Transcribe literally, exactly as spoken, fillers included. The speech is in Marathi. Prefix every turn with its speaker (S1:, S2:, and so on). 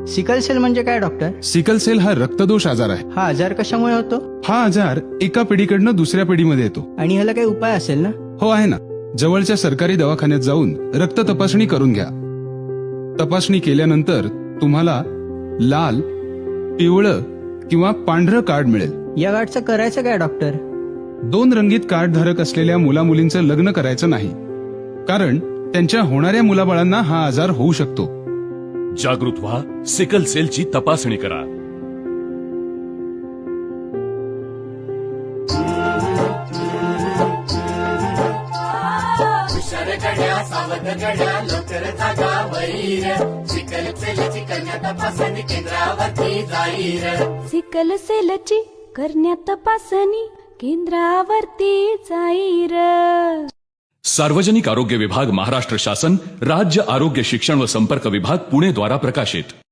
S1: सिकल सेल म्हणजे काय डॉक्टर?
S2: सिकल सेल हा रक्तदोष आजार आहे.
S1: हा आजार कशामुळे होतो?
S2: हा आजार एका पिढीकडनं दुसऱ्या पिढीमध्ये येतो.
S1: आणि ह्याला काही उपाय असेल ना?
S2: हो आहे ना. जवळच्या सरकारी दवाखान्यात जाऊन रक्त तपासणी करून घ्या. तपासणी केल्यानंतर तुम्हाला लाल, पिवळं किंवा पांढरं कार्ड मिळेल.
S1: या कार्डचं करायचं काय डॉक्टर?
S2: दोन रंगीत कार्ड धारक असलेल्या मुलामुलींचं लग्न करायचं नाही, कारण त्यांच्या होणाऱ्या मुलाबाळांना हा आजार होऊ शकतो.
S3: जागृत व्हा, सिकल सेलची तपासणी करा.
S4: सावध गड्या लवकर जागा वैर, सिकल सेलची कन्या तपासणी केंद्रावरती जाईर.
S5: सिकल सेलची करण्या तपासणी केंद्रावरती जाईर.
S3: सार्वजनिक आरोग्य विभाग, महाराष्ट्र शासन, राज्य आरोग्य शिक्षण व संपर्क विभाग, पुणे द्वारा प्रकाशित.